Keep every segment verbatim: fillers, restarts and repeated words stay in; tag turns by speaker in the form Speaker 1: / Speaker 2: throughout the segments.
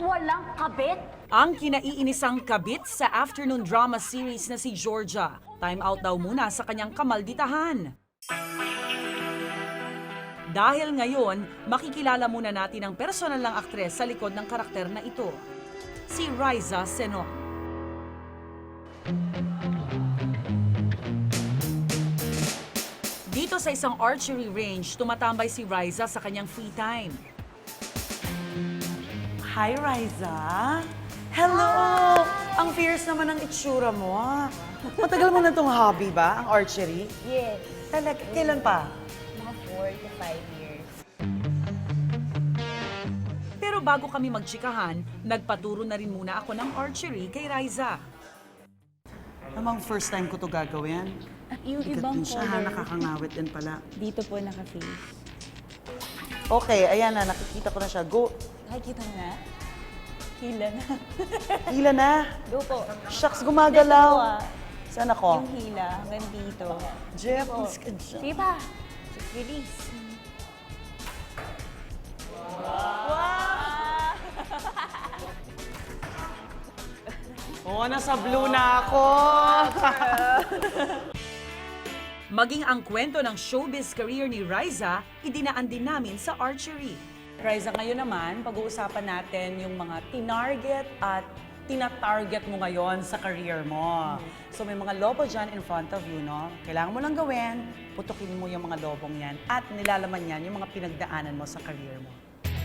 Speaker 1: walang kabit.
Speaker 2: Ang kinaiinisang kabit sa afternoon drama series na si Georgia. Time out daw muna sa kanyang kamalditahan. Dahil ngayon, makikilala muna natin ang personal ng aktres sa likod ng karakter na ito. Si Riza Senong. Dito sa isang archery range, tumatambay si Riza sa kanyang free time.
Speaker 3: Hi, Riza. Hello! Ang fierce naman ng itsura mo. ah. Matagal mo na itong hobby ba, ang archery?
Speaker 1: Yes,
Speaker 3: Talaga, kailan pa?
Speaker 1: mga four to five years.
Speaker 2: Pero bago kami magtsikahan, nagpaturo na rin muna ako ng archery kay Riza.
Speaker 3: Namang first time ko to gagawin.
Speaker 1: Yung
Speaker 3: Bigat
Speaker 1: ibang
Speaker 3: din siya, ha?
Speaker 1: color,
Speaker 3: Nakakangawit din pala.
Speaker 1: dito po naka-face.
Speaker 3: Okay, ayan na, nakikita ko na siya. Go.
Speaker 1: Nakikita mo na? Hila na.
Speaker 3: Hila na.
Speaker 1: Go po.
Speaker 3: Shucks,
Speaker 1: Dito,
Speaker 3: gumagalaw.
Speaker 1: ah.
Speaker 3: Saan ako?
Speaker 1: Yung hila hanggang dito.
Speaker 3: Jeff,
Speaker 1: Po.
Speaker 3: mas good siya.
Speaker 1: Diba? Release.
Speaker 3: Oo, nasa blue na ako.
Speaker 2: Maging ang kwento ng showbiz career ni Riza, idinaan din namin sa archery.
Speaker 3: Riza, ngayon naman, pag-uusapan natin yung mga tinarget at tina-target mo ngayon sa career mo. So may mga lobo dyan in front of you, no? Kailangan mo lang gawin, putukin mo yung mga lobong yan at nilalaman yan yung mga pinagdaanan mo sa career mo.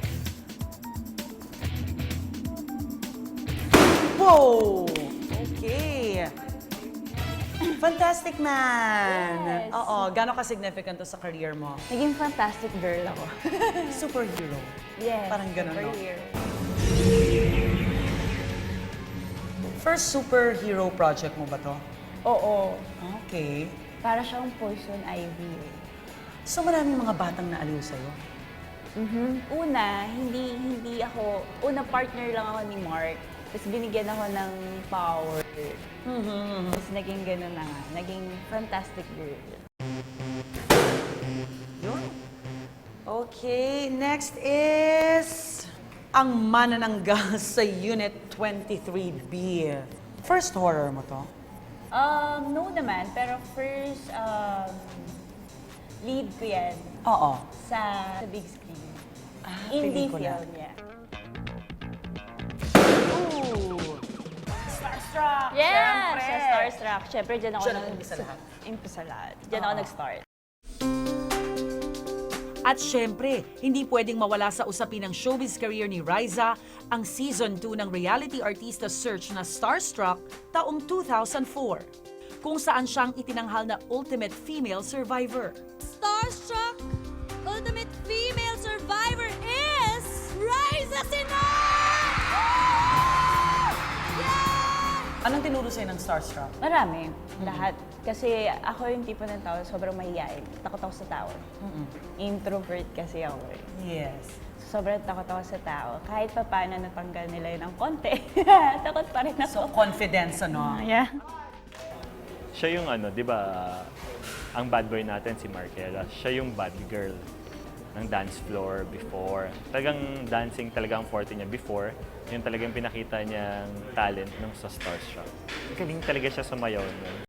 Speaker 3: Wow! Okay. Fantastic man!
Speaker 1: Yes.
Speaker 3: Oo, gano'n ka-significant to sa career mo?
Speaker 1: Naging fantastic girl ako.
Speaker 3: Superhero.
Speaker 1: Yes.
Speaker 3: Parang ganun, no?
Speaker 1: superhero.
Speaker 3: First superhero project mo ba to?
Speaker 1: Oo.
Speaker 3: Okay.
Speaker 1: Para siyang poison ivy. eh.
Speaker 3: So maraming mga batang naaliw sa'yo?
Speaker 1: Mhm. Una, hindi hindi ako, una partner lang ako ni Mark. Tapos binigyan ako ng power.
Speaker 3: Mm-hmm.
Speaker 1: Tapos naging gano'n na nga. Naging fantastic girl.
Speaker 3: Yun. Okay, next is ang manananggal sa Unit twenty-three B. First horror mo to?
Speaker 1: Um, no naman, pero first um, lead ko yan
Speaker 3: Oo.
Speaker 1: sa, sa big screen.
Speaker 3: Ah,
Speaker 1: Indie
Speaker 3: pelikula.
Speaker 1: film, yeah.
Speaker 3: Ooh! Starstruck!
Speaker 1: Yes!
Speaker 3: Siyempre!
Speaker 1: Sa Starstruck. Siyempre, dyan ako
Speaker 3: Diyan
Speaker 1: nag-
Speaker 3: ang umpisa lahat.
Speaker 1: Umpisa lahat. Dyan ako
Speaker 3: Oo.
Speaker 1: nag-start.
Speaker 2: At syempre, hindi pwedeng mawala sa usapin ng showbiz career ni Riza ang Season two ng reality artista search na Starstruck taong two thousand four, kung saan siyang itinanghal na Ultimate Female Survivor.
Speaker 4: Starstruck Ultimate Female Survivor is Riza Senong! Yeah!
Speaker 3: Anong tinuro sa'yo ng Starstruck?
Speaker 1: Marami. Lahat. Kasi ako yung tipo ng tao, sobrang mahihain. Takot ako sa tao. Introvert kasi ako eh.
Speaker 3: Yes.
Speaker 1: Sobrang takot ako sa tao. Kahit pa paano natanggal nila yun ng konti. Takot pa rin
Speaker 3: So,
Speaker 1: ako.
Speaker 3: confidence, ano?
Speaker 1: Yeah.
Speaker 5: Siya yung ano, di ba, ang bad boy natin si Markela, siya yung bad girl ng dance floor before. Talagang dancing talaga ang forte niya before. Yun talagang pinakita niyang talent nung sa Starstruck. Galing talaga siya sumayaw nun.